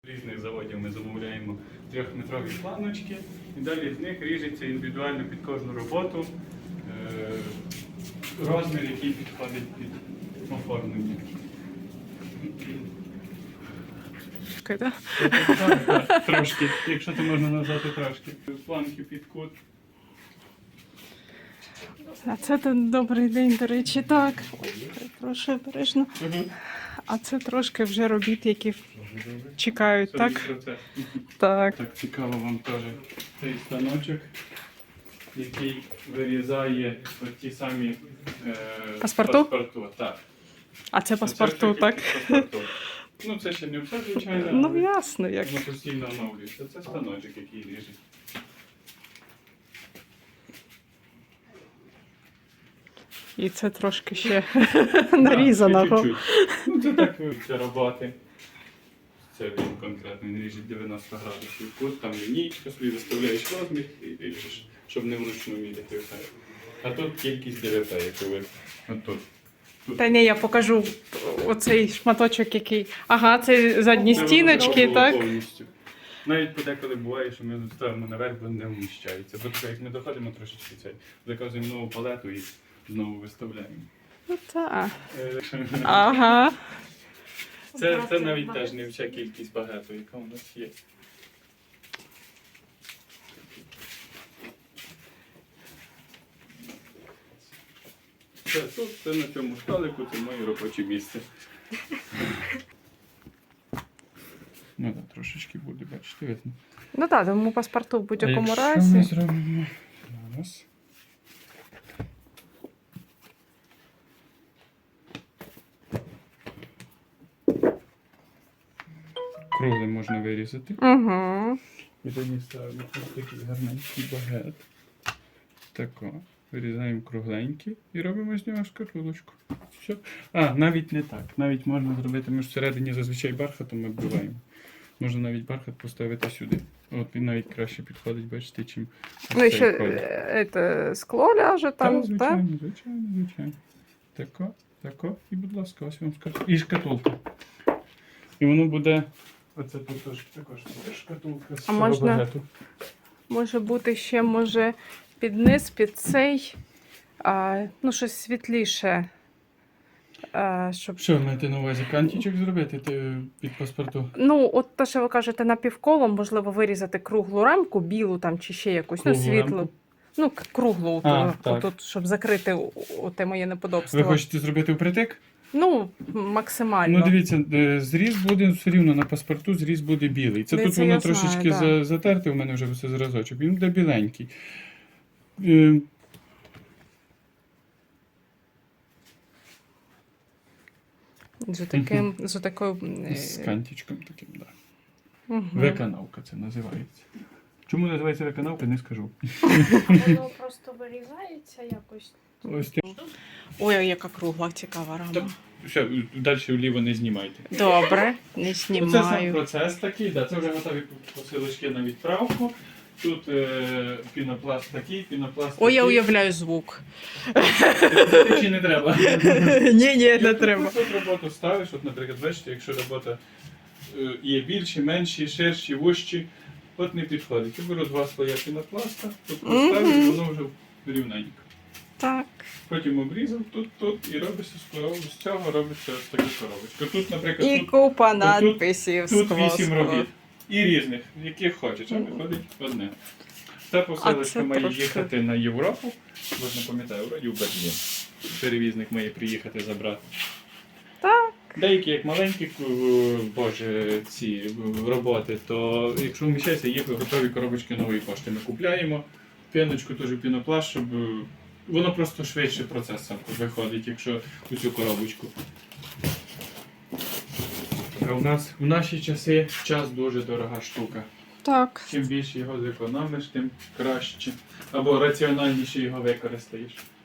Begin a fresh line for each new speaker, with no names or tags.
Різних заводів ми замовляємо 3-метрові планочки і далі з них ріжеться індивідуально під кожну роботу розмір, який підходить під оформлення. Трошки, якщо це можна назвати трошки. Планки під кут.
А це тут добрий день, до речі, так. Прошу обережно. А це трошки вже робіт, які чекають, так? Так.
Так, цікаво вам теж цей станочок, який вирізає ті самі
Паспорту?
Так.
А це паспорту, так?
Паспорту. Ну, це ще не все, звичайно.
Ну, ясно, як.
Воно постійно оновлюється. Це станочок, який ріже.
І це трошки ще нарізаного.
Чуть-чуть. Ну, це так це роботи. Це він конкретно він ріже 90 градусів кут, там лінійка, собі виставляєш розмір і ріжеш, щоб не вручну міряти все. А тут кількість ДВП, яку ви отут.
Та ні, я покажу оцей шматочок, який. Ага, це задні стіночки, так?
Повністю. Навіть подеколи буває, що ми ставимо наверх, бо не вміщається. Бо так, як ми доходимо трошечки цей, заказуємо нову палету і знову виставляємо.
Ну так. Ага.
Це навіть теж не вся кількість багету, яка у нас є. Це на цьому столику, це моє робоче місце. Ну так, трошечки буде, бачите, видно.
Ну так, тому паспорту в будь-якому
Що
разі.
ми зробимо зараз? Круглий можна вирізати.
Угу.
І тоді ставимо ось такий гарненький багет. Тако. Вирізаємо кругленький і робимо з нього шкатулочку. Все. А, навіть не так. Навіть можна зробити, ми ж всередині зазвичай бархатом оббиваємо. Можна навіть бархат поставити сюди. От він навіть краще підходить, бачите, чим
Ну і ще скло ляже там, так?
Звичайно. Тако. І, будь ласка, ось вам і шкатулка. І воно буде, оце тут також шкатулка з цього багету.
Може бути ще, може, під низ, під цей, ну, щось світліше. Щоб...
Що ви маєте на увазі? Кантічок зробити під паспорту?
Ну, от те, що ви кажете, напівколом, можливо, вирізати круглу рамку, білу там, чи ще якусь,
Круглу
ну, світлу.
рамку?
Ну, круглу, отут, щоб закрити те моє неподобство.
Ви хочете зробити впритик?
Ну, максимально.
Ну, дивіться, зріз буде все рівно на паспорту, зріз буде білий. Це тут воно трошечки затерте, у мене вже все зразочок, він буде біленький.
З такою...
З кантичком таким, так. Да.
Угу.
Виконавка це називається. Чому називається виконавка, не скажу.
Воно просто вирізається якось.
Ось
Ой, яка кругла, цікава рама.
Все, далі вліво не знімайте.
Добре, не знімаю.
Це сам процес такий, да, це вже готові посилочки на відправку. Тут пінопласт такий, пінопласт такий.
Ой, я уявляю звук.
Чи не треба?
Ні, не треба.
Тут роботу ставиш, от, наприклад, бачите, якщо робота є більші, менші, ширші, вужчі, от не підходить. Я беру 2 слоя пінопласта, тут поставлю, і воно вже рівненько.
Так.
Потім обрізав тут і робиться з цього робиться ось така коробочка. Тут, наприклад,
І купа надписів.
Тут 8 робіт. І різних, яких хочеш, а виходить одне. Ця посилочка має їхати на Європу. От не пам'ятаю, вроді в Берлін. Перевізник має приїхати забрати.
Так.
Деякі, як маленькі ці роботи, то якщо вміщається, їх готові коробочки нової пошти. Ми купляємо піночку, теж пінопласт, щоб воно просто швидше процес сам виходить, якщо у цю коробочку. А у нас в наші часи час дуже дорога штука.
Так.
Чим більше його зекономиш, тим краще. Або раціональніше його використаєш.